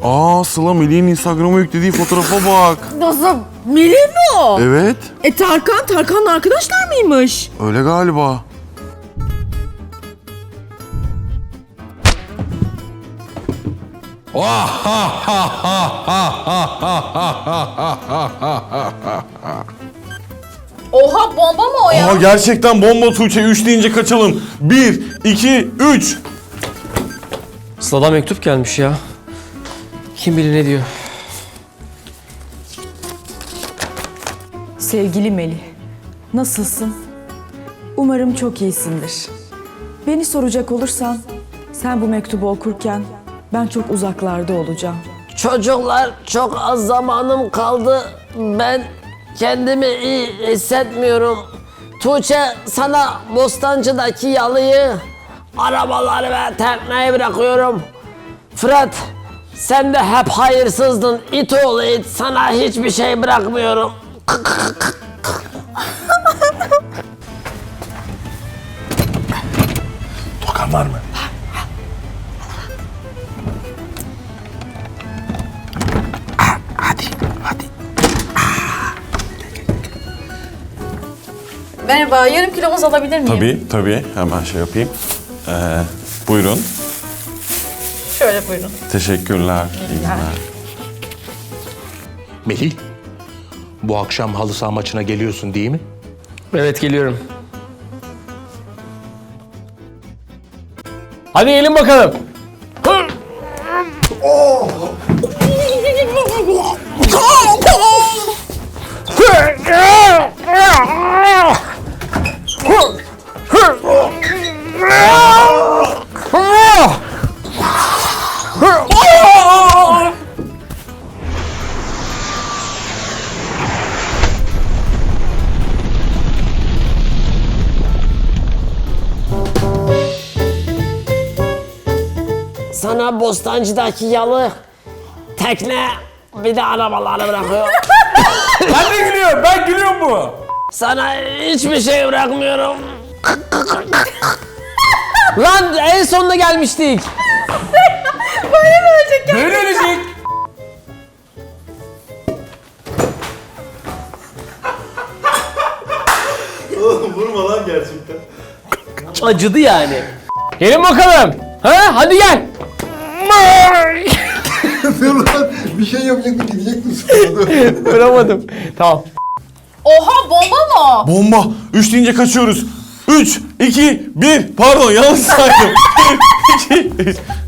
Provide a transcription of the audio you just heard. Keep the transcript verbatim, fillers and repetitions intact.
Aa Sıla Melih'in Instagram'a yüklediği fotoğrafa bak. Nasıl? Melih mi o? Evet. E Tarkan, Tarkan'la arkadaşlar mıymış? Öyle galiba. Oha, bomba mı o ya? Aa gerçekten bomba Tuğçe. Üç deyince kaçalım. Bir, iki, üç. Sıla'dan mektup gelmiş ya. Kim bilir ne diyor. Sevgili Melih, nasılsın? Umarım çok iyisindir. Beni soracak olursan, sen bu mektubu okurken ben çok uzaklarda olacağım. Çocuklar, çok az zamanım kaldı. Ben kendimi iyi hissetmiyorum. Tuğçe, sana Bostancı'daki yalıyı, arabaları ve tekneyi bırakıyorum. Fırat, sen de hep hayırsızdın. İt oğlu it, sana hiçbir şey bırakmıyorum. Tokan var mı? Merhaba, yarım kilo muz alabilir miyim? Tabii tabii. Hemen şey yapayım. Ee, buyurun. Şöyle buyurun. Teşekkürler. İyi günler. Melih, bu akşam halı saha maçına geliyorsun değil mi? Evet, geliyorum. Hadi gelin bakalım. Sana Bostancı'daki yalı, tekne, bir de arabaları bırakıyorum. Ben de gülüyorum, ben gülüyorum bu. Sana hiçbir şey bırakmıyorum. Lan en sonuna gelmiştik. Böyle ölecek. Oğlum vurma lan gerçekten. Acıdı yani. Gelin bakalım. Ha, hadi gel. Dur lan bir şey yapacaktın gidecektin sonra. Vuramadım. Tamam. Oha, bomba mı o? Bomba. Üç deyince kaçıyoruz. Üç, iki, bir. Pardon yanlış saydım. Bir, iki, üç.